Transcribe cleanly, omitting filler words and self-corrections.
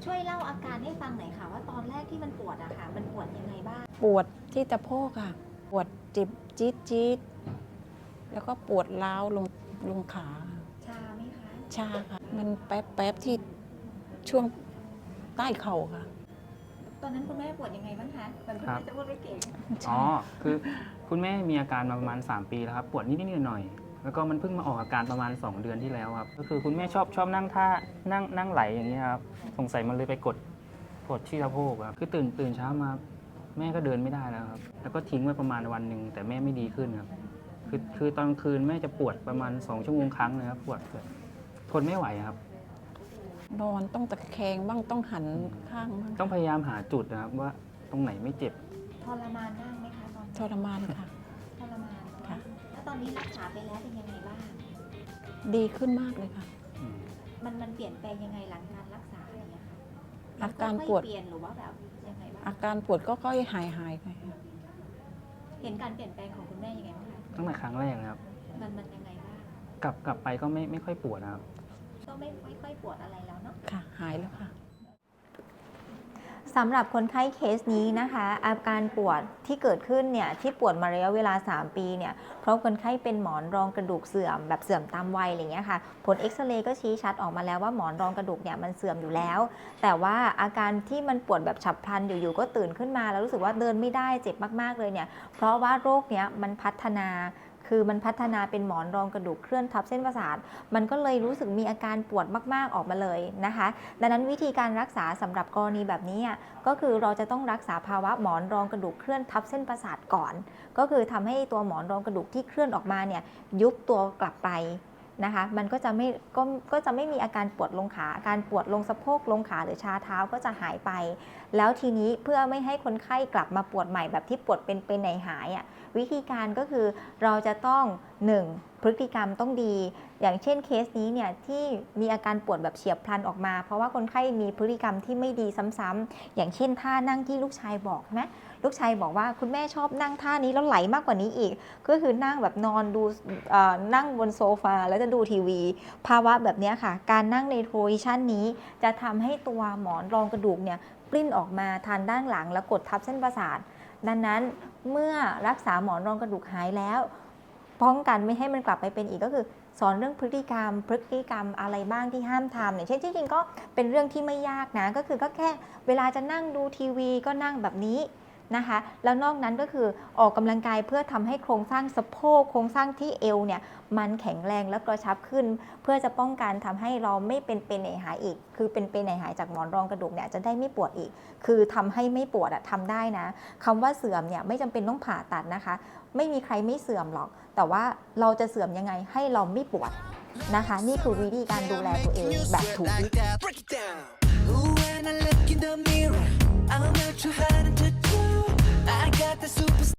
ช่วยเล่าอาการให้ฟังหน่อยค่ะว่าตอนแรกที่มันปวดอะค่ะมันปวดยังไงบ้างปวดที่สะโพกค่ะปวดเจ็บจี๊ดแล้วก็ปวดร้าวลงขาชาไหมคะชาค่ะมันแป๊บที่ช่วงใต้เข่าค่ะตอนนั้นคุณแม่ปวดยังไงบ้างคะเหมือนคุณแม่จะพูดไม่เก่งอ๋อคือคุณแม่มีอาการมาประมาณ3 ปีแล้วครับปวดนิดๆหน่อยๆแล้วก็มันเพิ่งมาออกอาการประมาณ2 เดือนที่แล้วครับก็คือคุณแม่ชอบนั่งท่านั่งไหลอย่างนี้ครับสงสัยมันเลยไปกดที่สะโพกครับคือตื่นเช้ามาแม่ก็เดินไม่ได้แล้วครับแล้วก็ทิ้งไว้ประมาณวันหนึ่งแต่แม่ไม่ดีขึ้นครับคือตอนคืนแม่จะปวดประมาณ2 ชั่วโมงครั้งนะครับปวดทนไม่ไหวครับนอนต้องตะแคงบ้างต้องหันข้างบ้างต้องพยายามหาจุดนะครับว่าตรงไหนไม่เจ็บทรมานมากไหมคะตอนทรมานค่ะทรมานค่ะแล้วตอนนี้รักษาไปแล้วเป็นยังไงบ้างดีขึ้นมากเลยค่ะมันเปลี่ยนแปลงยังไงหลังการรักษาอะไรอย่างเงี้ยค่ะอาการปวดเปลี่ยนหรือว่าแบบยังไงบ้างอาการปวดก็ค่อยหายไปเห็นการเปลี่ยนแปลงของคุณแม่ยังไงบ้างคะตั้งแต่ครั้งแรกนะครับมันยังไงบ้างกลับไปก็ไม่ค่อยปวดนะครับก็ไม่ค่อยปวดอะไรแล้วเนาะค่ะหายแล้วค่ะสำหรับคนไข้เคสนี้นะคะอาการปวดที่เกิดขึ้นเนี่ยที่ปวดมาระยะเวลา3 ปีเนี่ยเพราะคนไข้เป็นหมอนรองกระดูกเสื่อมแบบเสื่อมตามวัยอะไรเงี้ยค่ะผลเอ็กซเรย์ก็ชี้ชัดออกมาแล้วว่าหมอนรองกระดูกเนี่ยมันเสื่อมอยู่แล้วแต่ว่าอาการที่มันปวดแบบฉับพลันอยู่ๆก็ตื่นขึ้นมาแล้วรู้สึกว่าเดินไม่ได้เจ็บมากๆเลยเนี่ยเพราะว่าโรคเนี้ยมันพัฒนาเป็นหมอนรองกระดูกเคลื่อนทับเส้นประสาทมันก็เลยรู้สึกมีอาการปวดมากๆออกมาเลยนะคะดังนั้นวิธีการรักษาสำหรับกรณีแบบนี้ก็คือเราจะต้องรักษาภาวะหมอนรองกระดูกเคลื่อนทับเส้นประสาทก่อนก็คือทำให้ตัวหมอนรองกระดูกที่เคลื่อนออกมาเนี่ยยุบตัวกลับไปนะคะมันก็จะไม่มีอาการปวดลงขาอาการปวดลงสะโพกลงขาหรือชาเท้าก็จะหายไปแล้วทีนี้เพื่อไม่ให้คนไข้กลับมาปวดใหม่แบบที่ปวดเป็นไหนหายวิธีการก็คือเราจะต้อง 1. พฤติกรรมต้องดี อย่างเช่นเคสนี้เนี่ยที่มีอาการปวดแบบเฉียบพลันออกมาเพราะว่าคนไข้มีพฤติกรรมที่ไม่ดีซ้ำๆอย่างเช่นท่านั่งที่ลูกชายบอกนะลูกชายบอกว่าคุณแม่ชอบนั่งท่านี้แล้วไหลมากกว่านี้อีกก็คือนั่งแบบนอนดูนั่งบนโซฟาแล้วจะดูทีวีภาวะแบบนี้ค่ะการนั่งในโพซิชันนี้จะทำให้ตัวหมอนรองกระดูกเนี่ยปลิ้นออกมาทางด้านหลังแล้วกดทับเส้นประสาทดังนั้นเมื่อรักษาหมอนรองกระดูกหายแล้วป้องกันไม่ให้มันกลับไปเป็นอีกก็คือสอนเรื่องพฤติกรรมอะไรบ้างที่ห้ามทำเนี่ยเช่นจริงๆก็เป็นเรื่องที่ไม่ยากนะก็คือก็แค่เวลาจะนั่งดูทีวีก็นั่งแบบนี้นะคะแล้วนอกนั้นก็คือออกกำลังกายเพื่อทำให้โครงสร้างสะโพกโครงสร้างที่เอวเนี่ยมันแข็งแรงและกระชับขึ้นเพื่อจะป้องกันทำให้เราไม่เป็นไหนหายอีกคือเป็นไหนหายจากหมอนรองกระดูกเนี่ยจะได้ไม่ปวดอีกคือทำให้ไม่ปวดทำได้นะคำว่าเสื่อมเนี่ยไม่จำเป็นต้องผ่าตัดนะคะไม่มีใครไม่เสื่อมหรอกแต่ว่าเราจะเสื่อมยังไงให้เราไม่ปวดนะคะนี่คือวิธีการดูแลตัวเองแบบถูกวิธี